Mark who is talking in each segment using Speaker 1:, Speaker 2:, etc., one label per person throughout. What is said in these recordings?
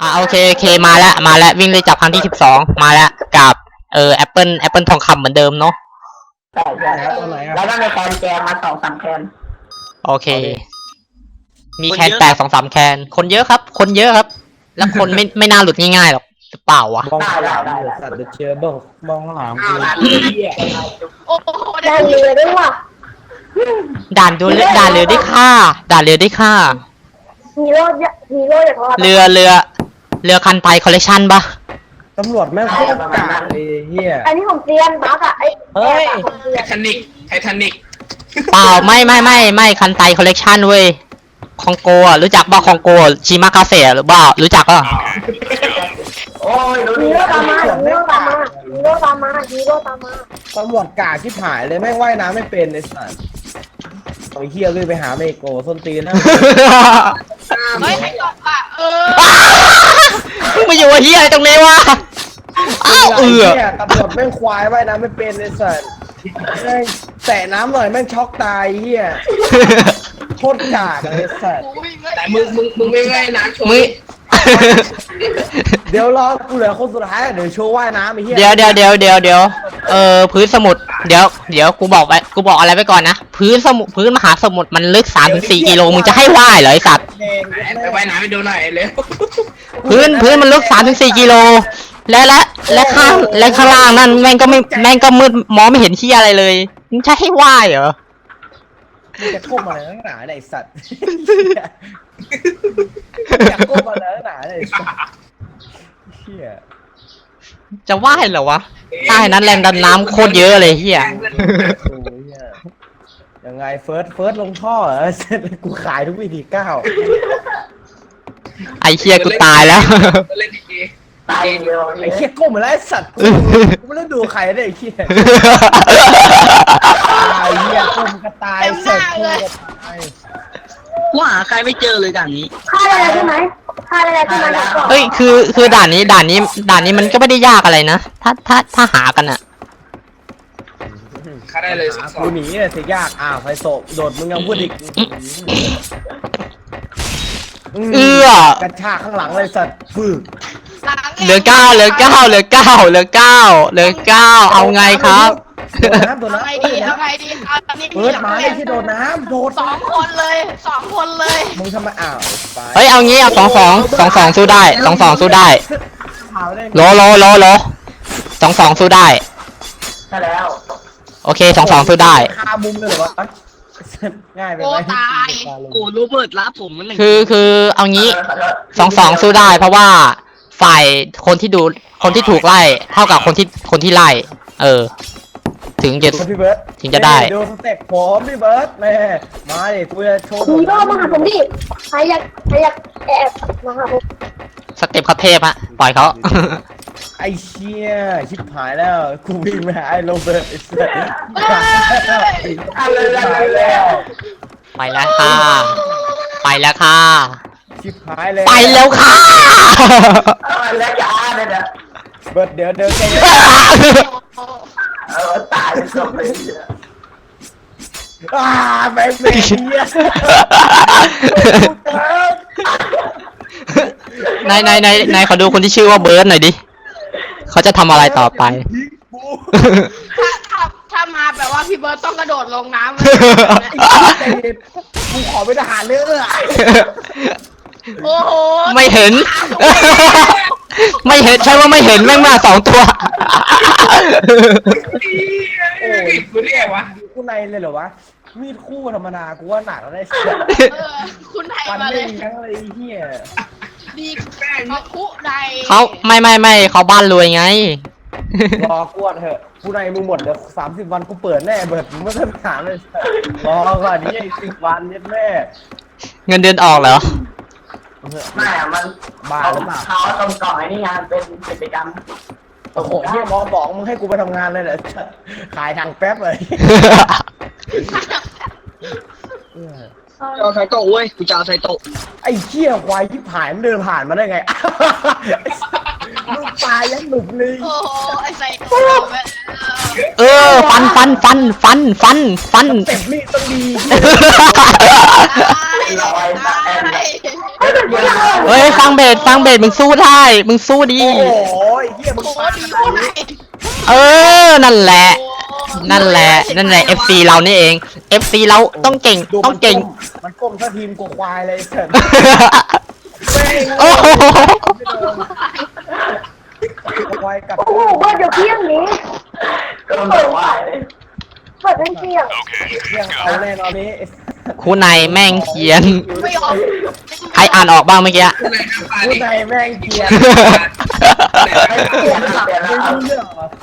Speaker 1: โอเคมาแล้ววิ่งเลยจับครั้งที่12มาแล้วกับแอปเปิลทองคำเหมือนเดิมเนาะ
Speaker 2: ใช่ตัวไหนแล้วก็ในแคนแจมมา2-3แคน
Speaker 1: โอเคมีแคนแตก2-3แคนคนเยอะครับแล้วคนไม่น่าหลุดง่ายๆหรอกเปล่าวะ
Speaker 2: ได้
Speaker 3: สัตว์เจอบ้องข้างหลังกู
Speaker 4: โอ้โห
Speaker 2: ได้เลยด้วยว่ะ
Speaker 1: ด่านเรือได้ค่า
Speaker 2: ฮีโร่อย่าง
Speaker 1: เรือคันไทยคอลเลคชันปะ
Speaker 3: ตำรวจแม่งโคตรกากเลยเฮีย
Speaker 2: อันนี้ผมเตียนบักอ่ะ
Speaker 3: เฮ้ย
Speaker 4: ไททานิก
Speaker 1: เปล่าไม่คันไทยคอลเลคชันเว้ยคองโกอ่ะรู้จักป่ะคองโกชิมากาเซ่หรือเปล่ารู้จักป่ะ
Speaker 2: โอ้ยฮีโร่ตามมา
Speaker 3: ตำรวจกากที่ถ่ายเลยแม่งว่ายน้ำไม่เป็นไอ้สัสไอ้เฮียเลยไปหาเมโกส้นตีนนะ
Speaker 4: เฮ้ยให้ตอบอ่ะ
Speaker 1: มึงมาอยู่เฮียอะไรตรงนี้วะ
Speaker 3: ตำรวจแม่งควายว่ายน้ำไม่เป็นไอ้สัสแม่งแตะน้ำหน่อยแม่งช็อกตายเฮียโคตรกากไอ้สัส
Speaker 4: แต่มึงไม่ง่ายนะโชว์
Speaker 3: เดี๋ยวรอกูเหลือคนสุดท้ายเดี๋ยวโชว์ว่ายน้ำไอ้เหี้ย
Speaker 1: เดี๋ยวพื้นสมุดเดี๋ยวกูบอกอะไรไปก่อนนะพื้นมหาสมุทรมันลึก 3-4 กิโลมึงจะให้ว่ายเหรอไอสัตว์
Speaker 4: ไปว่ายน้ำไปดูหน่อยเลย
Speaker 1: พื้นมันลึก 3-4 กิโลและข้างล่างนั่นแม่งก็มืดมองไม่เห็นที่อะไรเลยมึงจะให้ว่ายเหรอ
Speaker 3: มึงจะก้มอะไรนักหนาไอ้สัตว์อยากก้มอะไรนักหนาไอ้สัตว์เฮีย
Speaker 1: จะว่ายเหรอวะใต้นั้นแรงดันน้ำโคตรเยอะเลยเฮีย
Speaker 3: ยังไงเฟิร์สลงท่อเหรอเสร็จกูขายทุกวิธีก้าว
Speaker 1: ไอเฮียกูตายแล้ว
Speaker 2: ตายเดียว
Speaker 3: ไอ้เฮียก้มมาแล้วไอ้สัตว์กูไม่ได้ดูใครได้ไอ้เฮียตายเฮียก้มก็ตายเสร็จกูก็ตาย
Speaker 4: ว่าใครไม่เจอเลยด่านนี้
Speaker 2: ฆ่าได้ใช่ไหม
Speaker 1: เฮ้ยคือด่านนี้มันก็ไม่ได้ยากอะไรนะถ้าหากันอะ
Speaker 4: ฆ่าได้เลย
Speaker 3: กูหนีเนี่ยสิยากไฟโศกโดดมึงยังพูดอีกกระชากข้างหลังเลยสัตว์ฝึก
Speaker 1: เหลือ 9เอาไงครับ
Speaker 3: ตัวน้ำ
Speaker 4: เอาไงดี
Speaker 3: เปิดมาไม่ใช่โดดน้ำโดด
Speaker 4: 2 คนเลย
Speaker 3: มึงทำไม
Speaker 1: เฮ้ยเอางี้เอา2-2สู้ได้2-2สู้ได้โล2-2สู้ได้
Speaker 2: ใช่แล้ว
Speaker 1: โอเค2-2สู้ได้
Speaker 3: คามุมเลยเหรอวะง่ายไปไหม
Speaker 4: โอ้ตายโอ้โรเบิร์ตรับผมมัน
Speaker 1: คือเอางี้2-2สู้ได้เพราะว่าฝ่ายคนที่ถูกไล่เท่ากับคนที่ไล่ถึงจะได้
Speaker 3: ดูสเต็ปผมพี่เบิร์ดแม่มาดิกูจะโชว์
Speaker 2: ฮีโร่มาหาผมดิใครอยากแอบมาหาผม
Speaker 1: สเต็ปเขาเทพฮะปล่อยเขา
Speaker 3: ไอ้เชี่ยชิบหายแล้วกูวิ่งไปหาไอ้โรเบิร์ตไอ้เสือ
Speaker 1: ไปแล้วค่ะ
Speaker 3: ชิบหายเลย
Speaker 1: ไปแล้วค่ะ
Speaker 2: แล้วอย่าเลยนะ
Speaker 3: เบิร์ดเดี๋ยวใจ
Speaker 2: ตายเลย
Speaker 3: แม่งเนี่ย
Speaker 1: นายขอดูคนที่ชื่อว่าเบิร์ดหน่อยดิเขาจะทำอะไรต่อไป
Speaker 4: ถ้ามาแบบว่าพี่เบิร์ดต้องกระโดดลงน้ำ
Speaker 3: กูขอเป็นทหารเลย
Speaker 4: โอ้โห
Speaker 1: ไม่เห็นใช่ว่าไม่เห็นแม่งมา2 ตัว
Speaker 4: คุณเรียกวะ
Speaker 3: กูในเลยเหรอวะมีดคู่ธรรมดากูว่าหนักแล้วได้เสีย
Speaker 4: คุณไทย
Speaker 3: มาเลยทั้งอะไรเฮีย
Speaker 4: ดีเขาคุใด
Speaker 1: เขาไม่เขาบ้านรวยไง
Speaker 3: รอกวดเถอะกูในมึงหมดเดี๋ยว30 วันกูเปิดแน่เบิดมึงไม่ต้องถามเลยรอก่อนนี่10 วันนิดแม่
Speaker 1: เงินเดือนออกเหรอ
Speaker 2: ไม่มัน
Speaker 3: บ้าหรือเปล่า
Speaker 2: เขาตรงก่อนนี่งานเป็นกิจกรรม
Speaker 3: โอ้โหเฮียมอบอกมึงให้กูไปทำงานเลยเหรอขายทางแป๊บเลย
Speaker 4: เอาไซโตะเว้ยกูจะเอาไซโตะ
Speaker 3: ไอ้เหี้ยควายที่ผ่านมันเดินผ่านมาได้ไงลูกตายยังหนุกเลย
Speaker 4: โอ้โหไอ้ไซโตะ
Speaker 1: ฟัน
Speaker 3: เต็มมีดต้องดี
Speaker 1: เฮ้ยฟังเบสมึงสู้ได้มึงสู้ดี
Speaker 3: โอ้โหเฮียมึง
Speaker 4: โอ้
Speaker 3: ปา
Speaker 4: ดี
Speaker 3: ข
Speaker 4: โอ้
Speaker 3: นาด
Speaker 4: ไหน
Speaker 3: นี้
Speaker 1: เออนั่นแหละนั่นแหละ FC เรานี่เอง FC เราต้องเก่ง
Speaker 3: ดู
Speaker 1: ต้องเก่ง
Speaker 3: มันก้มถ้าทีมกูควายเลยเสร็จ
Speaker 1: โอ้โห
Speaker 3: ควายกับ
Speaker 2: โอ้โหว่าเดี๋ยวเที่ยงนี้เปิดเปิดเป็นเที่ยง
Speaker 3: เที่ยงเอาแน่นอนนี้
Speaker 1: ครูนายแม่งเขียน
Speaker 4: ไม่ออก
Speaker 1: ใครอ่านออกบ้างเมื่อกี้
Speaker 3: ผู้ใดแม่งเกลียดไอ้เกลียดไม่รู้เรื่องเหรอ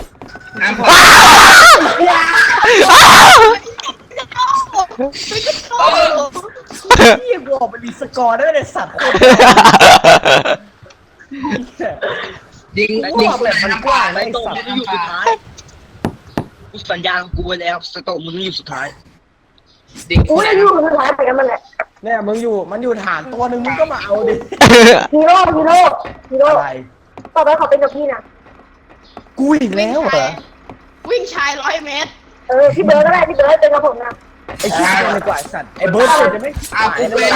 Speaker 3: พี่กูออกไปรีสกอร์ได้เลยสัตว์คน
Speaker 5: ยิง
Speaker 3: กูออกแบบมันกว้างนะไอ้
Speaker 5: โต
Speaker 3: สัต
Speaker 5: มึง
Speaker 3: ว์
Speaker 5: จะอยู่สุดท้ายกูสัญญากับกูไว้แล้วสโตมึงอยู่สุดท้ายดิ
Speaker 2: อุ้ยอยู่สุดท้ายไปกันมันแหละ
Speaker 3: เนี่ยมึงอยู่มันอยู่ฐานตัวหนึ่งมึงก็มาเอาดิ
Speaker 2: ฮีโร่
Speaker 3: อะไร
Speaker 2: ต่อไปขอเป็นกับพี่นะ
Speaker 3: กูอีกแล้วเหรอ
Speaker 4: วิ่งชาย100 เมตร
Speaker 2: พี่เบิร์ดก็ได้พี่เบิร์ดเป็นกับผมนะ
Speaker 3: ไอ้ขี้โกงเลยกว่าไอ้สัตว์ไอ้เบิร์ดมันจะไม่ขายนะเลย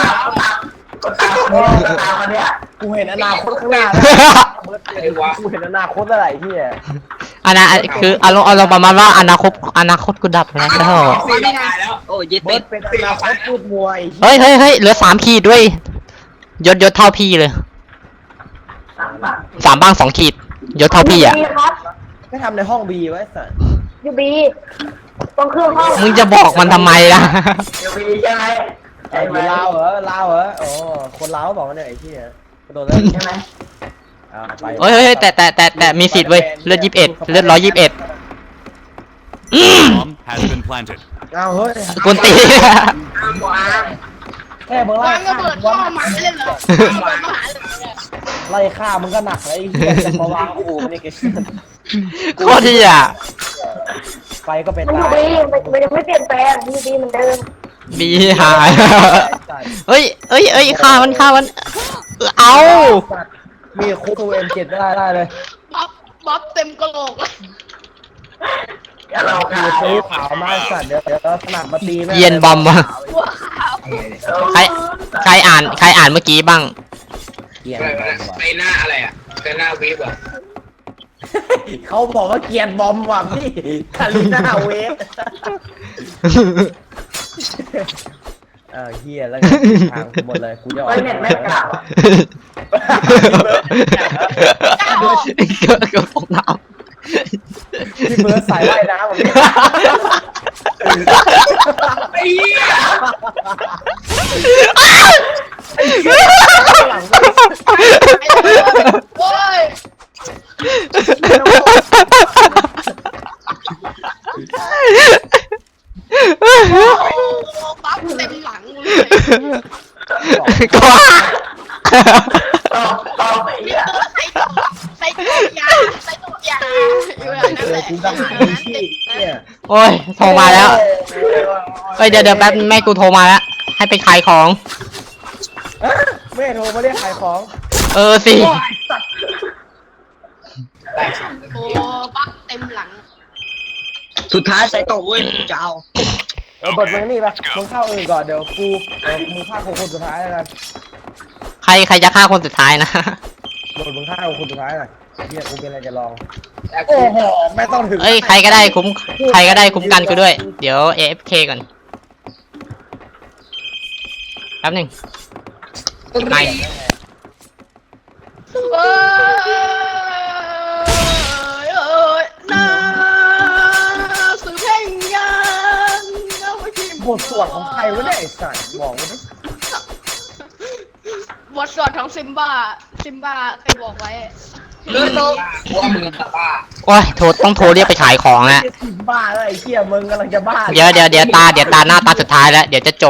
Speaker 3: กูเห็นอนาคตข้างหน้าแล้วกูเห็นอนาคตอะไรที่
Speaker 1: คืออารมณ์ประมาณว่าอนาคตกูดับแล้ว
Speaker 5: ไม่ได้แล้วโอ้ยเย็ด
Speaker 3: เบิ
Speaker 5: เป็
Speaker 3: ร์
Speaker 5: ด
Speaker 3: ดเป็นอนาคตพูดมวย
Speaker 1: เฮ้ยเหลือ3 ขีดด้วยยศเท่าพี่เลย3 บ้าง 2 ขีดยศเท่าพี่อ่ะ
Speaker 2: ครับ
Speaker 3: ไม่ทำในห้องบีไว้สัตว์
Speaker 2: ยูบีต้องเครื่องห้อง
Speaker 1: มึงจะบอกมันทำไมล่ะ
Speaker 3: ไอ้ลาวเหรอโอ้คนลาวบอกว่าเนี่ยไอ้ที่กระโดดแล้วใช่ไหมไป
Speaker 1: เฮ้ยแต่มีสิทธิ์เว้ยเลือด21เลือด121
Speaker 6: Bomb has been planted.
Speaker 3: เอาเฮ้ย
Speaker 1: กวนตี
Speaker 3: แค่เบอร์
Speaker 4: วางระเบิดพ่อหมาเลยเหรอระเบิดมหาเลย
Speaker 3: ไล่ฆ่ามึงก็หนักเลยไอ้เหี้ยจะมาวางขู่มันนี่แก
Speaker 1: โคตรที่อ่ะ
Speaker 3: ไฟก็เป็น
Speaker 2: มันยู
Speaker 3: ตาย
Speaker 2: บีมันยังไม่เปลี่ยนแปลงยูบีเหมือนเดิม
Speaker 1: ดีหายเฮ้ยฆ่ามันเอา
Speaker 3: มีคุกเอ็มเจ็ดได้เลย
Speaker 4: บ๊อบเต็มกระโหลกเลย
Speaker 3: กูซื้อขาวมาสัตว์เดี๋ยวสนับมาตีแม่
Speaker 1: เย็นบอมวะ
Speaker 4: หัวขาว
Speaker 1: ใครอ่านเมื่อกี้บ้าง
Speaker 3: เกียน
Speaker 5: ไปหน้าอะไรอ่ะไปหน้าวิบอ่ะ
Speaker 3: เขาบอกว่าเกียนบอมว่ะพี่คาริน่าเวฟเฮียแล้วทางหมดเลยกูจะออกเน็ตไม่กล่าว
Speaker 1: ก็ตกน้
Speaker 3: พี่เบิร์ดสายว่ายน้ำผมเนี่ย
Speaker 5: ไอ้เหี้ย
Speaker 3: หลัง
Speaker 4: โอ้ยโอ้บ๊อบเต็มหลังเลย
Speaker 1: ำก็ว่า
Speaker 4: ใส่ตัวยาอยู่อย่างนั้นแหละ
Speaker 3: กูจะหาที่เนี่ย
Speaker 1: โอ้ยโทรมาแล้วเฮ้ยเดี๋ยวแป๊บแม่กูโทรมาแล้วให้ไปขายของ
Speaker 3: แม่โทรมาเรียกขายของ
Speaker 1: สิ
Speaker 4: โอ้บ๊อบเต็มหลัง
Speaker 5: สุดท้ายใส่โตเว้ยจะเอา
Speaker 3: เปิดมึงนี่ปะมึงเข้าอื่นก่อนเดี๋ยวมึงฆ่าคนสุดท้ายแล้วกัน
Speaker 1: ใครจะฆ่าคนสุดท้ายนะ
Speaker 3: มึงฆ่าคนสุดท้ายหน่อยเฮียกูเป็นอะไรจะลองโอ้โหไม่ต้องถึง
Speaker 1: เอ้ยใครก็ได้คุ้มกันกูด้วย เดี๋ยว AFK ก่อนแป๊บหนึงไม่
Speaker 4: เอ้ยนะสื่อเพลงยังเอาไว้ที่
Speaker 3: บทสวดของใครวะเนี่ยไอ้สัตว์บอกมาดิ
Speaker 4: บทสวดของซิมบ้าเคยบอกไว้
Speaker 5: เลือดโตว่ามึงบ้า
Speaker 1: โอ้ยต้องโทรเรียกไปขายของแล้ว
Speaker 3: บ้าแล้วไอ้เหี้ยมึงกำลังจะบ้า
Speaker 1: เดี๋ยวตาหน้าตาสุดท้ายแล้ว เดี๋ยวจะจบ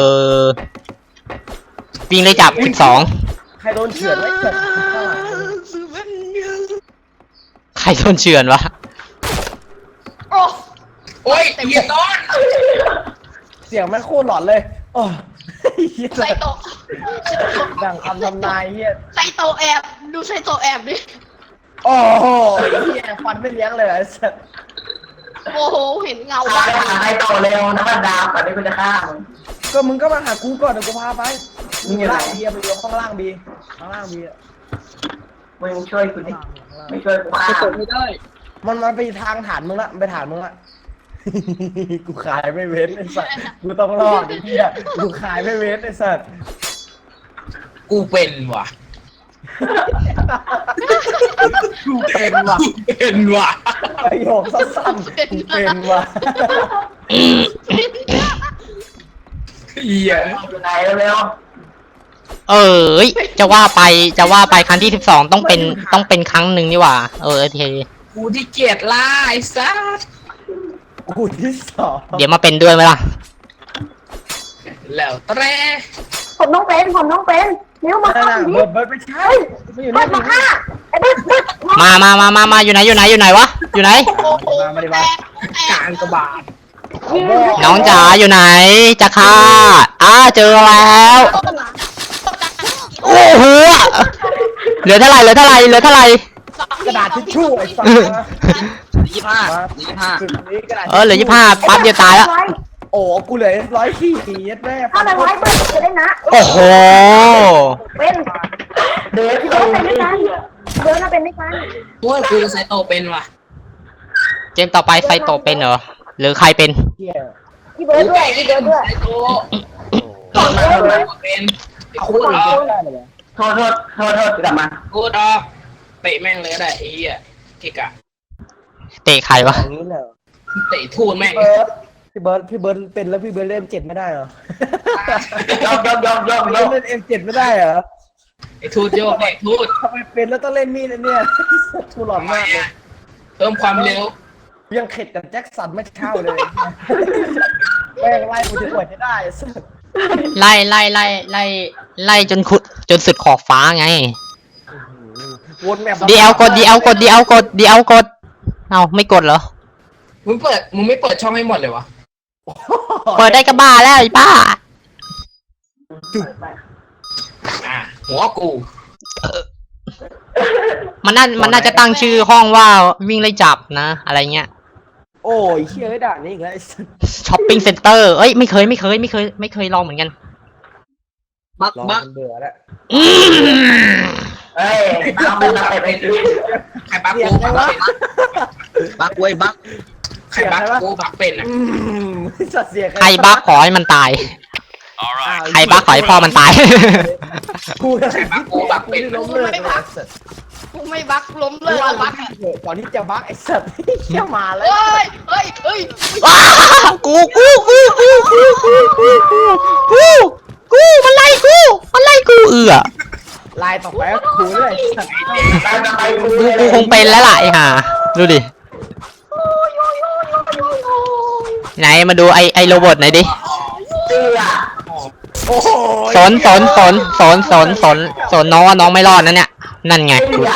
Speaker 1: วิ่งเลยจับ12
Speaker 3: ใครโดนเฉือนไว้เฉือน
Speaker 4: สื่อเพลงยัง
Speaker 1: ใครโดนเฉือนวะ
Speaker 4: โอ้
Speaker 5: โอ้ยเหี้ยต้น
Speaker 3: เสียงแม่งโคตรหลอนเลยโอ้เหี้ย
Speaker 4: ใส่โตะ
Speaker 3: ดังคำทำนายเหี้ย
Speaker 4: ใส่โตะแอบดูใส่โตะแอบดิ
Speaker 3: โอ้โหเหี้ยฟันไม่เลี้ยงเลยไอ้สัตว์
Speaker 4: โอ้โหเห็นเงาบ้าง
Speaker 3: ให้โตเร็วนะมันดาวก่อนที่กูจะฆ่ามึงก็มึงก็มาหากูก่อนเดี๋ยวกูพาไปมึงอยู่ล่างบีไปอยู่ข้างล่างบีข้างล่างบี
Speaker 2: มึงช่วยกูดิไม่ช่วยกูฆ่า
Speaker 5: สตกไม่ได้
Speaker 3: มันไปทางฐานมึงละมันไปฐานมึงละ กูขายไม่เว้นไอ้สัสกูต้องรอดไอ้เหี้ยกูขายไม่เว้นไอ้สัส
Speaker 5: กูเป็นว่ะ
Speaker 3: กูเป็นว่ะ
Speaker 5: เป็นว่ะ
Speaker 3: ประโยคสั้นๆกูเป็นว่ะ
Speaker 5: เหี้ย
Speaker 2: อยู่ไหนเร็ว
Speaker 1: เอ้ยจะว่าไปครั้งที่12ต้องเป็นครั้งหนึ่งนี่หว่าโอเค
Speaker 5: กูที่เกียจล่าไอ้สัส
Speaker 3: กูที่สอง
Speaker 1: เดี๋ยวมาเป็นด้วยไหมล่ะ
Speaker 5: แล้วแตร
Speaker 2: ผมต้องเป็นนิ้วมา
Speaker 3: นั่น
Speaker 2: ฆ่า
Speaker 3: น่ะ
Speaker 2: ดิ
Speaker 3: เบิร์ดไม่ใช่ไม่อยู่
Speaker 2: เบิ
Speaker 3: นี่
Speaker 2: ร์ดมาฆ่าไอ้เบิร์ด
Speaker 1: มาอยู่ไหนอยู่ไหนวะอยู่ไหน
Speaker 3: มาดิมาก
Speaker 5: ลางกระบาด
Speaker 1: น้องจ๋าอยู่ไหนจะฆ่าเจอแล้วโอ้โหเหลือเท่าไหร่
Speaker 3: กระดาษทิชชู่ไอ้สัส
Speaker 5: 25
Speaker 3: สุดนี้กระดาษ
Speaker 1: เหลือ25ปั๊บเดียวตายแล้ว
Speaker 3: โอ้กูเหลือ100ยัดแม่
Speaker 2: ถ้ามันไว้เบิร์ดจะได้นะ
Speaker 1: โอ้โห
Speaker 2: เป็นเบิร์ดเป็นด้วยกันเบิร์ดน่าเป็นด้วยกัน
Speaker 5: โอ้ยกูไซโตเป็นว่ะ
Speaker 1: เกมต่อไปไซโตะเป็นเหรอหรือใครเป็น
Speaker 3: เหี้ย
Speaker 2: พี่เบิร์ดด้วยพี่เบิร์ดด้วย
Speaker 5: ไซโตตอนนั้นเป็นไอ้
Speaker 3: เอา
Speaker 5: คู
Speaker 3: คน
Speaker 5: ด
Speaker 3: อื่น
Speaker 5: ออก
Speaker 3: ได้เลย
Speaker 2: โทษกลับมา
Speaker 5: คูดออกเตะแม่งเลยก็ได้ไอ้เหี้ยเกะกะ
Speaker 1: เตะใครวะ
Speaker 3: อย่างนี้เลย
Speaker 5: เตะทูนแม่ง
Speaker 3: พี่เบิร์ดเป็นแล้วพี่เบิร์ดเล่น M7 ไม่ได้เหรอย
Speaker 2: อม
Speaker 3: เล่น M7 ไม่ได้เหรอ
Speaker 5: ไอ้ทูดโยกไอ้ทูด
Speaker 3: ทำไมเป็นแล้วต้องเล่นมีดอันเนี่ยกูหลอนมากเลย
Speaker 5: เพิ่มความเร็ว
Speaker 3: ยังเข็ดกับแจ็คสันไม่เท่าเลยแม่งไล่กูจะปวดให้ได้สัส
Speaker 1: ไล่จนสุดขอบฟ้าไง
Speaker 3: วนแมป
Speaker 1: ดีเอลกดเอาไม่กดเหรอ
Speaker 5: มึงไม่เปิดช่องให้หมดเลยวะ
Speaker 1: เปิดได้ก็บ้าแล้วไอ้ป้า
Speaker 5: หัวกู
Speaker 1: มันน่าจะตั้งชื่อห้องว่าวิ่งไล่จับนะ อะไรเงี้ย
Speaker 3: โอ้ยเชี่ยไอ้ด่านนี้อีกแล้วไอ้สัส
Speaker 1: ช้อปปิ้งเซ็นเตอร์เอ้ยไม่เคยลองเหมือนกัน
Speaker 5: บัก
Speaker 3: รอ
Speaker 5: บัก
Speaker 3: มันเบื่อแล้ว
Speaker 2: เฮ้ยเอาไปไป
Speaker 5: ใครบักกูบักเป็นบักเว้ยบักใครบักกูบักเป็นอ่ะ
Speaker 3: สัสเสีย
Speaker 1: ใครบ้าขอให้มันตาย
Speaker 6: All right.
Speaker 1: ใครบ้าขอให้พ่อมันตาย
Speaker 3: กูล้มเลิกเลยสัส
Speaker 4: กูไม่บักล้มเลยอะบักอะ
Speaker 3: ก่อนที่จะบักไอ้สัสเชี่ยมาแล้ว
Speaker 4: เฮ้ย
Speaker 1: ว้าวกูมันไล่กู
Speaker 3: ลายต่อไปก็คูเลยสัส
Speaker 2: ไป
Speaker 1: กูคงเป็นแล้วล่ะไอ้ห่าดูดิไหนมาดูไอโรบอทหน่อยดิ
Speaker 2: เสื้อ
Speaker 3: โอ้โห
Speaker 1: สนน้องว่าน้องไม่รอดนะเนี่ยนั่นไง
Speaker 2: เสื้อ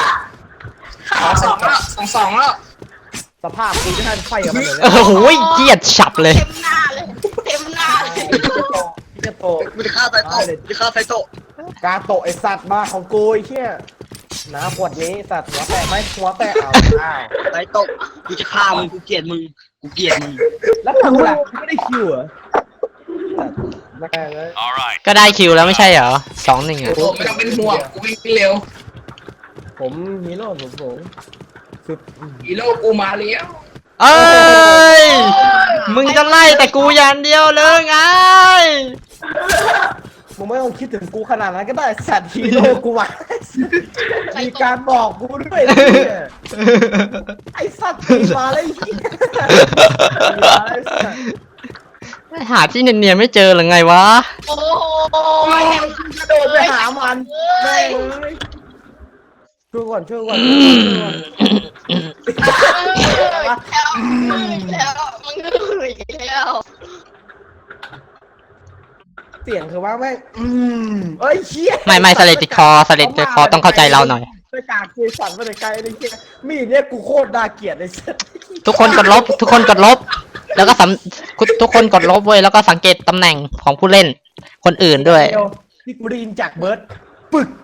Speaker 5: สองแล้ว
Speaker 3: สภาพกูจะให้ไฟกับมันเลย
Speaker 1: โอ้โหเกลียดฉับเลย
Speaker 4: เต็มหน้าเลย
Speaker 3: จะโต
Speaker 5: กูจะฆ่าไซโต
Speaker 3: กาโตไอสัตว์มาของกูไอ้เชี่ยน้ำขวดนี้สัตว์หัวแตกไหมหัวแตกเอา
Speaker 5: ไซโตกูจะฆ่ามึงกูเกลียดมึง
Speaker 3: แล้วกูล่ะไม่ได้คิวเหรอแม่งเลย
Speaker 6: All right.
Speaker 1: ก็ได้คิวแล้วไม่ใช่เหรอ2-1อ่ะ
Speaker 5: โอ้ไม่ต้องเป็นห่วงกูวิ่งเร็ว
Speaker 3: ผมฮีโร่ผมสุด
Speaker 5: ฮีโร่กูมาแล้ว
Speaker 1: เอ้ยมึงจะไล่แต่กูอย่างเดียวเลยไง
Speaker 3: มึงไม่ต้องคิดถึงกูขนาดนั้นก็ได้สัตว์ฮีโร่กูมามีการบอกกูด้วยนะเนี่ยไอสัตว์ตีมาเลย
Speaker 1: หาที่เนียนๆไม่เจอหรือไงวะ
Speaker 4: โอ้
Speaker 3: กระโดดไปหามันแม่งเลยช่วยก่อนเสียงคือว่าแม่งเอ้ยเชี่ย
Speaker 1: ไม่สเลติคอต้องเข้าใจเราหน่อย
Speaker 3: ไปกากเกสันมาแต่ไกลเลยเชี่ยมีดเนี่ยกูโคตรน่าเกลียดเลยสัตว์
Speaker 1: ทุกคนกดลบ แล้วก็ทุกคนกดลบเว้ยแล้วก็สังเกตตำแหน่งของผู้เล่นคนอื่นด้วย
Speaker 3: ที่กูได้ยินจากเบิร์ดปึก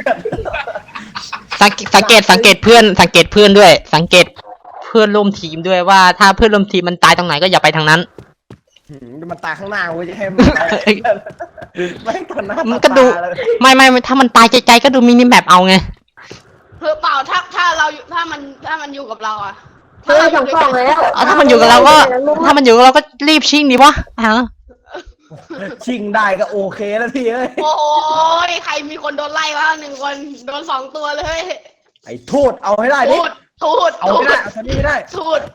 Speaker 1: สังเกตเพื่อนด้วยสังเกตเพื่อนร่วมทีมด้วยว่าถ้าเพื่อนร่วมทีมมันตายตรงไหนก็อย่าไปทางนั้น
Speaker 3: มันตายข้างหน้ากูจะให้มันตายไม่ตอนหน้า
Speaker 1: มันก็ดู
Speaker 3: ตาเลย
Speaker 1: ไม่ถ้ามันตายใจๆก็ดูมินิแมปเอาไง
Speaker 4: เพื่อเปล่าถ้าเราอยู่ถ้ามันอยู่กับเราอะ
Speaker 2: เฮ้ยสองกล่องแล้ว
Speaker 1: เอาถ้ามันอยู่กับเราก็รีบชิงดีวะฮะ
Speaker 3: ชิงได้ก็โอเคแล้วพี่เอ้ย
Speaker 4: โอ้ยใครมีคนโดนไล่วะ1 คนโดน2 ตัวเลย
Speaker 3: ไอ้ทูดเอาให้ได้ดิ
Speaker 4: ทูด
Speaker 3: เอาไม่ได้เอาตัวนี้ไม่ได้
Speaker 4: ทูด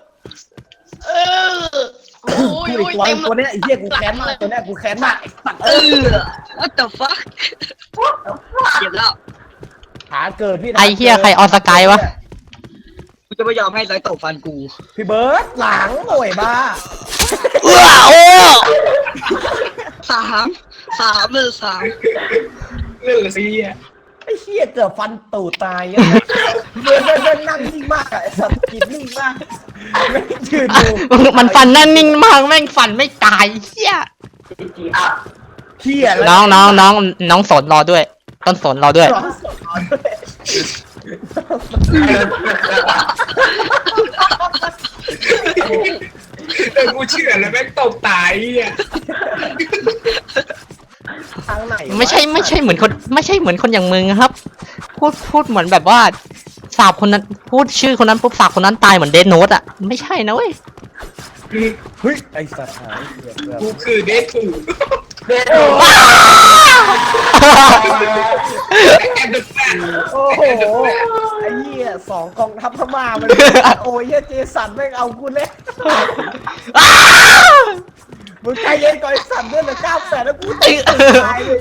Speaker 4: โอ้ย
Speaker 3: ทูดอีกตัว
Speaker 4: เต็ม
Speaker 3: ตัวเนี้ยไอ้เหี้ยกูแค้นมากตัวเนี้ยกูแค้นมากไอ้สัตว์
Speaker 5: what the fuck เจ็บแล้ว
Speaker 3: หาเกิดพี่นะ
Speaker 1: ไอ้เฮียใครออนสกายวะ
Speaker 5: กูจะไม่ยอมให้ไรตกฟันกู
Speaker 3: พี่เบิร์ดหลังโอ้ยบ้า
Speaker 1: โอ้
Speaker 5: สามเลย
Speaker 3: ไอ้เหี้ยเกือบฟันตูดตายอ่ะเบิร์ดนั่งนิ่งมากอะไอ้สัตว์กินนิ่งมากไม่ยืนดู
Speaker 1: มันฟันแน่นนิ่งมากแม่งฟันไม่ตายเฮีย
Speaker 3: เหี้ยแล้ว
Speaker 1: น้องสนรอด้วย ต้นสนรอด้วย
Speaker 3: ร้องสดร้อนด้วย
Speaker 7: กูเชื่อแล้วแม่งตบตายอ่ะ
Speaker 3: ทางไหนวะ
Speaker 1: ไม่ใช่เหมือนคนอย่างมึงครับ พูดเหมือนแบบว่าสาบคนนั้นพูดชื่อคนนั้นปุ๊บสาบคนนั้นตายเหมือนเดนโนตอ่ะไม่ใช่นะเว้ย
Speaker 3: เฮ้ยไอ้สัตว์หายเกือบ
Speaker 7: กูคือเดทถูกแอนเดอร์แฟน
Speaker 3: โอ้โหไอ้เหี้ย2 กองทัพพม่ามันโอ้ยเหี้ยเจสันแม่งเอากูเลยมึงใจเย็นก่อนไอ้สัตว์เดือนละ900,000แล้วกูตายเลย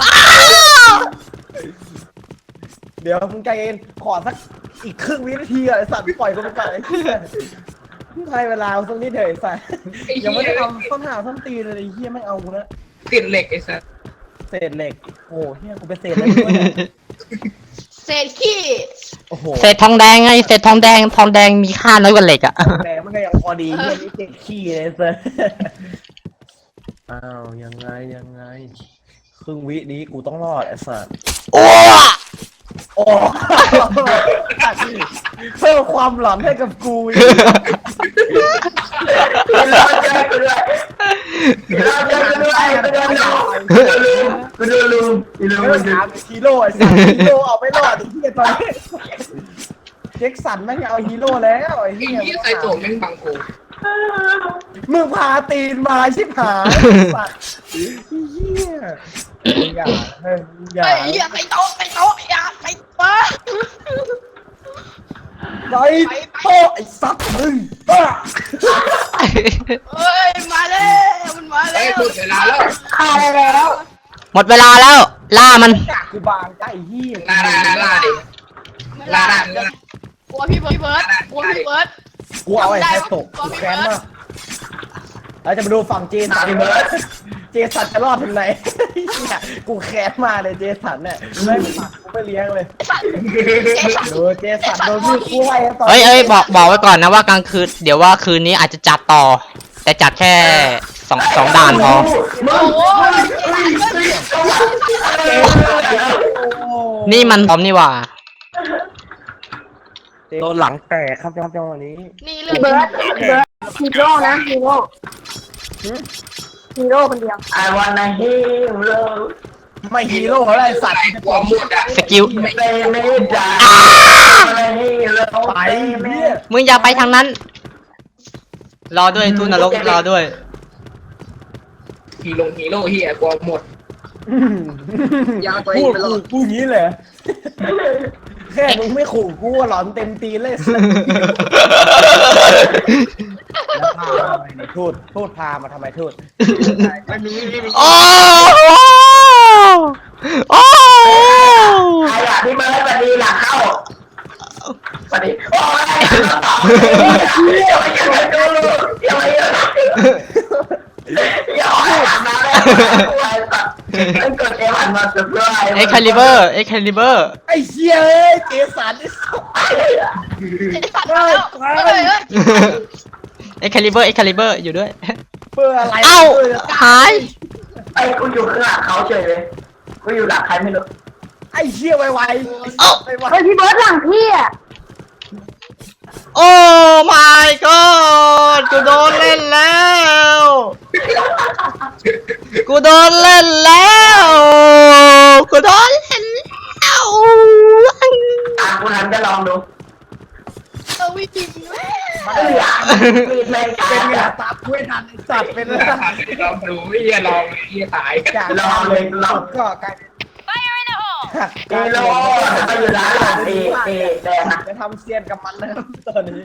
Speaker 3: เดี๋ยวมึงใจเย็นขอสักอีกครึ่งวินาทีอะไอ้สัตว์ปล่อยกูไปก่อนไอ้เหี้ยให้เวลาสักนิดเถอะไอ้สัตว์ยังไม่ได้ทำต้นหาต้นตีเลยไอ้เหี้ยไม่เอากูนะ
Speaker 7: ติดเหล็กไอ้สัส
Speaker 3: เศษเหล็กโอ้เหี้ยกูเป็นเศษเหล็กด้วยเนี่ย
Speaker 4: เศษขี้
Speaker 3: โอ้โห
Speaker 1: เศษทองแดงไงเศษทองแดงมีค่าน้อยกว่าเหล็กอ่ะ
Speaker 3: แต่มันก็ยังพอดีเหี้ยนี่เจ็บขี้เลยเซอร์อ้าวยังไงครึ่งวินี้กูต้องรอดไอ้สัตว์
Speaker 1: โอ้
Speaker 3: โอ้เพิ่มความหลอนให้กับกูอีก
Speaker 2: กูดูลุง
Speaker 3: ไม่ถามฮีโร่ไอ้สัตว์ฮีโร่เอาไม่รอดไอ้เหี้ยตอนนี้เจ็คสันไม่เอาฮีโร่แล้วไอ้
Speaker 7: ไอ้
Speaker 3: เหี้ย
Speaker 7: เหี้ยใส่โจมแม่งบังกู
Speaker 3: มึงพาตีนมาชิบหายสัตว์เหี้ยอย่าเฮ้ยอย่า
Speaker 4: ไอ้เหี้ยไปโต๊ะอย่าไปโต๊ะ
Speaker 3: ไปโต๊ะไอ้สัตว์มึงบ้า
Speaker 4: เฮ้ยมาแล้วมันมา
Speaker 7: ไอ้
Speaker 4: แล้ว
Speaker 7: หมดเวลาแล้ว
Speaker 2: ฆ่าได้แล้ว
Speaker 1: หมดเวลาแล้วล่ามัน
Speaker 3: จากกูบางใจเหี้ย
Speaker 7: ลาดิลาดิ
Speaker 4: กลัวพี่เบิร์ดกลัวพี่เบิร์ด
Speaker 3: กูเอาไอ้ไทตกกูแค้นมากเราจะมาดูฝั่งเจสันเจสันจะรอดถึงไหนกูแค้นมาเลยเจสันเนี่ยไม่ปักกูไม่เลี้ยงเลย ดูเจสันโดนมีดคู่ไล่ตอน
Speaker 1: เอ้ยบอกไว้ก่อนนะว่ากลางคืนเดี๋ยวว่าคืนนี้อาจจะจัดต่อ แต่จัดแค่สองด่านพอ
Speaker 4: โอ้โห
Speaker 1: นี่มันพร้อมนี่หว่า
Speaker 3: โดนหลังแตกครับจังหวะนี้
Speaker 4: นี่เรื่อง
Speaker 2: เบิร์ดฮีโร่นะฮีโร่คนเดียว
Speaker 8: I wanna hero
Speaker 3: ไม่ฮีโร่อะไรสัตว์
Speaker 7: หัวหมดอ่ะ
Speaker 1: สกิล
Speaker 8: ไม่ได้ hero
Speaker 3: ไปเนี่ย
Speaker 1: มึงอย่าไปทางนั้น รอด้วยทุนนรกรอด้วย
Speaker 7: ฮีโร่เฮียกลัวหมด
Speaker 5: ยาวตัวเองไปรอด
Speaker 3: พูดงี้เลยแค่มึงไม่ขู่กูหลอนเต็มตีเลยทูดพามาทำไมทูด
Speaker 5: ไม่มี
Speaker 1: โอ้โอ้
Speaker 8: ใครอ่ะพี่เบิร์ดสวัสดีหลังเข้าสวัสดีโอ้ยอย่ามาเยอะอย่าให้ทำนะเลยกดเอวันมาสุดเลย
Speaker 1: เอ็กคาลิเบอร์
Speaker 3: ไอ้เชี่ยเอ้ยเจสัน
Speaker 4: เจ็บสัตว์แล้วเฮ้ย
Speaker 1: เอ็กคาลิเบอร์อยู่ด้วย
Speaker 3: เพื่ออะไร
Speaker 1: เอ้าหาย
Speaker 8: ไอ้กูอยู่ข้างหลังเขาเฉยเลยกูอยู่หลังใครไม่รู้
Speaker 3: ไอ้เชี่ยไว
Speaker 1: เอ้า
Speaker 3: ไว
Speaker 2: เฮ้ยพี่เบิร์ดหลังพี่อ่ะ
Speaker 1: โอ้ my god กูโดนเล่นแล้วกูโดนเล่นแล้วกูโดนเล่นแล้ว
Speaker 8: กูหันจะลองดู
Speaker 4: วิ่งแม่
Speaker 8: มีดแม่ง
Speaker 3: เป็นไงตาคุยทันไอ้สัตว์เป็นแล้ว
Speaker 7: ลองดูไม่เหี้ยลองไอ้เหี้ยตาย
Speaker 3: จากการเลยลองก็กลายเป็น
Speaker 8: กิโลไปอยู่ร้านหลังแดงนะ
Speaker 3: จะทำเซียนกับมันนะครับตอนนี้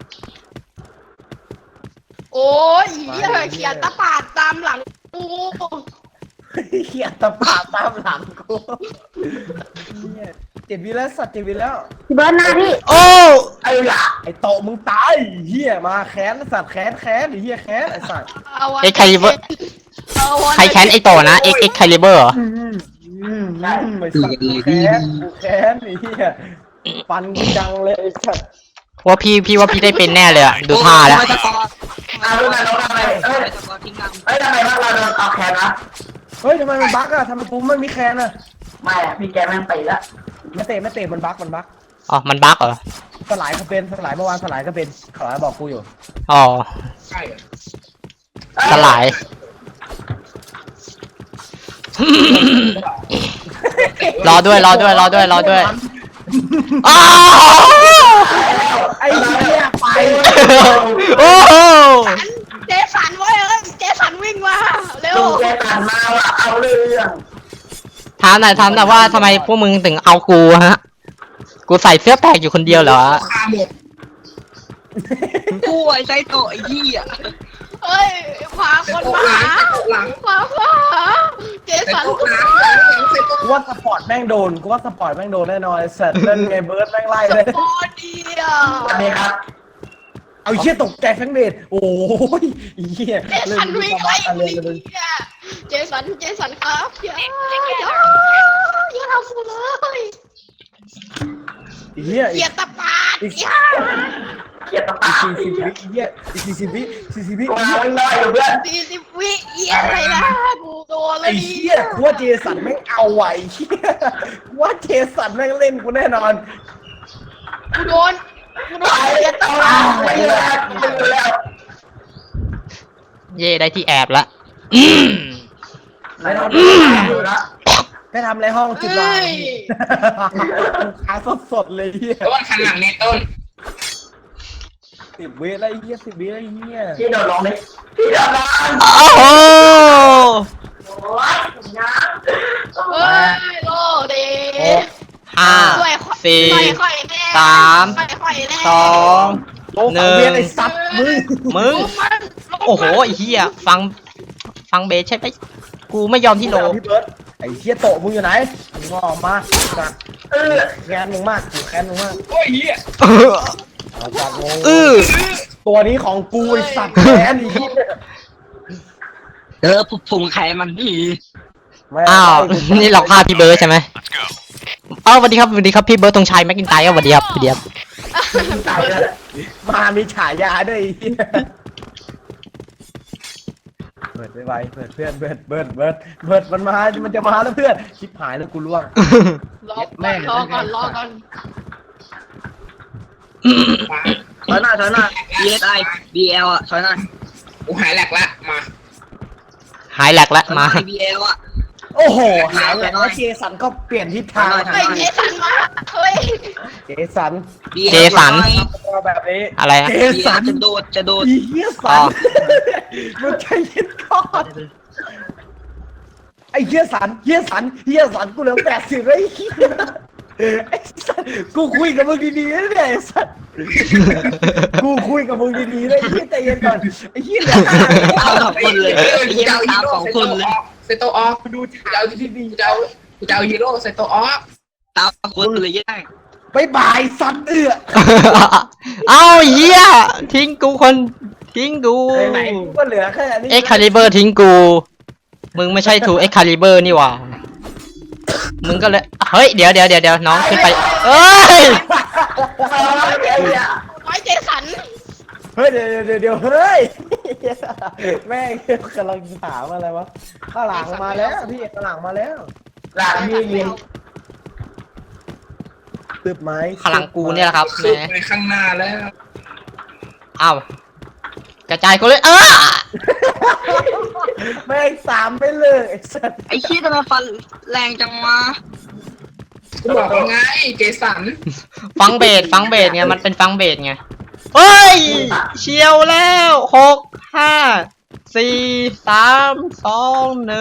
Speaker 4: โอ้ยเขียนตะปาดตามหลังกู
Speaker 3: เขียดตะปาดตามหลังกูเนี่ย7 วิแล้วสัตว์7 วิแล้ว
Speaker 2: พี่เบิร์ดหน้าพี่
Speaker 1: โอ้
Speaker 8: ไอ้หล่ะ
Speaker 3: ไอ้โตะมึงตายเฮียมาแค้นสัตว์แค้นไอ้เฮียแค้นไอ้สัตว์
Speaker 1: เอ็กคาลิเบอร์ใครแค้นไอโตนะเอ็กคาลิเบอร์เหรอ
Speaker 3: ไอ้สัตว์กูแค้นไอ้เฮียฟันกูจังเลยไอ้สัตว์
Speaker 1: ว่าพี่ว่าพี่ได้เป็นแน่เลยอะดูท่าแล้ว
Speaker 8: เอาลูกมาทำไมทำไมพวกเราโดนออกแขนนะ
Speaker 3: เฮ้ยทำไมมันบั๊กอะทำไมกูไม่มีแค้นอะ
Speaker 8: ไม่พี่แกแม่งตีละ
Speaker 3: ไม่เตะมันบั๊ก
Speaker 1: อ๋อมันบั๊กเหรอ
Speaker 3: สลายก็เป็นสลายเมื่อวานสลายก็เป็นสลายบอกกูอยู่
Speaker 1: อ๋อ
Speaker 7: ใช่เหรอ
Speaker 1: สลาย รอด้วยอ้าว
Speaker 3: ไอ้เหี้ยไป
Speaker 1: โอ้โห
Speaker 4: เจสันไว้เจสันวิ่งมาเร็ว
Speaker 8: ดูแกตันมาว่าเอาเรื่อง
Speaker 1: ถามหน่อยว่าทำไมพวกมึงถึงเอากูฮะ กูใส่เสื้อแปลกอยู่คนเดียวเหรอ
Speaker 7: คาหมด
Speaker 5: กูไอ้ไซโตะไอ้เหี้ย
Speaker 4: เฮ้ยพาคนมาหาพาเจสันกูมา
Speaker 3: กูว่าสปอร์ตแม่งโดนแน่นอนไอ้สัตว์เล่นไงเบิร์ดแม่งไล่เลย
Speaker 4: โอ้ดีอ่ะ
Speaker 8: วันนี้ครับ
Speaker 3: เอาเหี้ยตกใจทั้งเดชโอ้ยเหี้ย
Speaker 4: เจสันวิ่งไล่กูเจสันครับอย่าทำกูเลย
Speaker 3: เหี้ย
Speaker 4: เขียนตะปาดอย่า
Speaker 8: เกียรติปา
Speaker 3: 40 วิเหี้ย40 วิ
Speaker 8: กูเอาน้อยอยู่เพื่อน
Speaker 4: 40 วิอะไรนะกูโดนเล
Speaker 3: ไอ้
Speaker 4: ย
Speaker 3: เหี้ยกูว่าเจสันแม่งเอาไหวเหี้ยกูว่าเจสันแม่งเล่นกูแน่นอน
Speaker 4: กูโดน
Speaker 8: ไปไม่แล้วไม่แล้ว
Speaker 1: เย่ได้ที่แอบละ
Speaker 8: ไม่ต้องดูละ
Speaker 3: ไปทำอะไรห้องจุดวางขาสดเลยเหี้ย
Speaker 7: ต้นขันหลังเนี่ยต้น
Speaker 3: 10 วิอะไรเหี้ย10 วิอะไรเหี้ย
Speaker 8: พี่โดนลงดิพี่โดนลง
Speaker 1: โอ้โห
Speaker 8: โอ้ยนะ
Speaker 4: เฮ้ยโลเด
Speaker 1: 5 4 3 2
Speaker 3: โอ้ฟังเบียร์ไอ้สัตว์มึง
Speaker 1: โอ้โหไอ้เหี้ยฟังเบสใช่ไหมกูไม่ยอมที่โล
Speaker 3: พี่เบิร์ดไอ้เหี้ยโตะมึงอยู่ไหนมึงออกมาสัตว์แค้นมึงมากกูแค้นมึงมาก
Speaker 7: โอ้ยเหี้ย
Speaker 3: เอาจัดงง
Speaker 1: ตัว
Speaker 3: นี้ของกูไอ้สัตว์แค้นไอ้เหี้ย
Speaker 5: ผมใครมันนี่
Speaker 1: อ้าวนี่เราฆ่าพี่เบิร์ดใช่ไหมอ้าวสวัสดีครับพี่เบิร์ดตรงชัยแม็กกินไตร์สวัสดีครับ
Speaker 8: ตายเลย
Speaker 3: มามีฉายาด้วยไอ้เหี้ยเบิร์ดไปไวเบิร์ดเพื่อนเบิร์ดมันจะมาแล้วเพื่อนชิบหายแล้วกูล่วง
Speaker 4: รอก่อน
Speaker 5: ถอยหน่อย BSI BL อ่ะถอยหน่อย
Speaker 7: กูหายแหลกละมา
Speaker 1: หายแหลกแล้วมา
Speaker 5: BL อ่ะ
Speaker 3: โอ้โหหายแล้วเจสันก็เปลี่ยนทิศทาง
Speaker 4: ไอ้เจสันมาเฮ้ย
Speaker 3: เจสัน
Speaker 1: เจสัน
Speaker 3: แบบนี้
Speaker 1: อะไรอะ
Speaker 3: เจ
Speaker 5: BL
Speaker 3: สัน
Speaker 5: จะโดด
Speaker 3: อีเหี้ยสันมึงใจเย็นก่อนไอ้เหี้ยสันกูเหลือ80เลยไอ้สันกูคุยกับมึงดีๆนะเนี่ยไอ้สันกูคุยกับมึงดีๆเลยไอ้เหี้ยใจเย็นก่อนไอ้เหี้ยเหลือ
Speaker 5: ตาม2คนเลยไอ้เหี้ยตาม2คนเลย
Speaker 7: เซโตออฟดูจะเอาที่ดีจะเอาฮีโร่เซโตออฟ
Speaker 5: ตามคนเลยยัง
Speaker 3: บายบายสัน
Speaker 1: เอ้าเหี้ยทิ้งกู
Speaker 3: ไหนกูก็เหลือแค่นี้
Speaker 1: เอ็กคาลิเบอร์ทิ้งกูมึงไม่ใช่ทูเอ็กคาลิเบอร์นี่หว่ามึงก็เลยเฮ้ยเดี๋ยวน้องขึ้นไปเอ้ย
Speaker 4: ไว้เจสัน
Speaker 3: เฮ้ยเดี๋ยวเฮ้ยแม่งกำลังถามอะไรวะข้างหลังมาแล้วพี่ข้างหลังมาแล้ว
Speaker 8: หลังพี่ยิง
Speaker 3: ตึบไหม
Speaker 1: พลังกูเนี่ยแหละครับ
Speaker 7: สุ
Speaker 1: แห
Speaker 7: ด
Speaker 1: ม
Speaker 7: ไปข้างหน้าแล้ว
Speaker 1: อ้าวกระจายกูเลย
Speaker 3: แม่งสามไปเลยไอ้สัส
Speaker 5: ไอ้ขี้ทำไมฟันแรงจังวะ
Speaker 7: กูบอกว่าไงเจสัน
Speaker 1: ฟังเบสไงมันเป็นฟังเบสไงเฮ้ยเชียวแล้ว6 5 4 3 2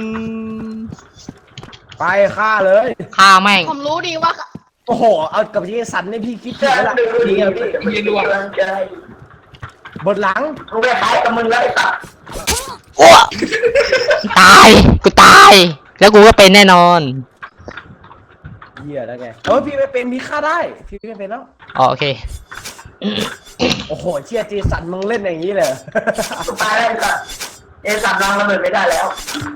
Speaker 1: 1
Speaker 3: ไปฆ่าเลย
Speaker 1: ฆ่าแม่ง
Speaker 4: ผมรู้ดีว่า
Speaker 3: โอ้โหเอากับเจสันนี่พี่คิดถึ
Speaker 8: เชื่
Speaker 3: ง
Speaker 8: อ
Speaker 3: แล้วล่ะ
Speaker 8: ดู
Speaker 3: ดี
Speaker 8: ดี
Speaker 3: อะ
Speaker 8: พี่
Speaker 3: พี่
Speaker 8: มีดวงใจ
Speaker 3: บทหลัง
Speaker 8: กูไปขายกับมึงแล้วไอ้สัตว์
Speaker 1: อ้วตายกูตาย แล้วกูก็เป็นแน่นอน
Speaker 3: เหี้ยแล้วไงเออพี่ไม่เป็นพี่ฆ่าได้พี่ไม่เป็นแล้ว
Speaker 1: อ๋อโอเค
Speaker 3: โอ้โหเชี่ยเจสันมึงเล่นอย่างนี้เลย
Speaker 8: กูตายแล้วไอ้สัตว์เจสันวางระเบิดไม่ได้แล้ว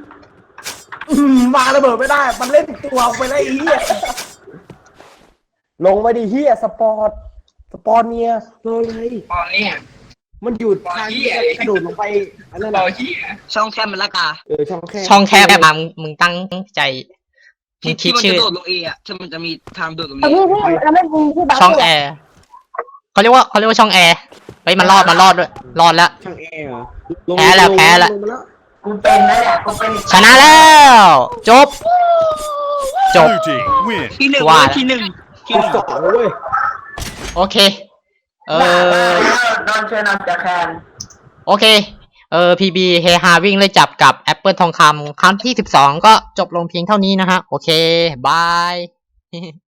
Speaker 3: มาระเบิดไม่ได้ มันเล่นตัวไปแล้วไอ้เหี้ยลงมาดิเหี้ยสปอร์ตเนี่ยลงเลย
Speaker 7: ตอนเนี้ย
Speaker 3: มันหยุดทางที่จะกระโดดลงไปอันนั้น
Speaker 7: รอ
Speaker 3: น่ะ
Speaker 7: เฮีย
Speaker 5: ช่องแคบมันละกา
Speaker 3: ช่องแคบ
Speaker 1: ช่องแคบมามึงตั้งใจมึ
Speaker 5: ที่
Speaker 1: งคิ
Speaker 5: ที่
Speaker 1: ด
Speaker 5: มัน
Speaker 1: ชื่อ
Speaker 5: จะโดดลงเออะที่มันจะมีทางโดดลงเอ
Speaker 2: พี่เราไม่มีที่บัฟ
Speaker 1: ช่องแอร์เขาเรียกว่าช่องแอร์เฮ้ยมันรอดด้วยรอดแล้ว
Speaker 3: ช่องแอร์เหรอ
Speaker 1: แพ้แล้วแพ้แล้ว
Speaker 8: กูเป็นนะเนี่ยกูเป็น
Speaker 1: ชนะแล้วจบ
Speaker 6: Blue team win.
Speaker 5: ที่หนึ่ง
Speaker 1: ว่า
Speaker 5: ที่หนึ่ง
Speaker 3: สองเว้ย
Speaker 1: โอเค
Speaker 8: นอนเชิญนอนจะแคน
Speaker 1: โอเค PB เฮฮาวิ่งเลยจับกับแอปเปิลทองคำครั้งที่12ก็จบลงเพียงเท่านี้นะฮะ โอเค บาย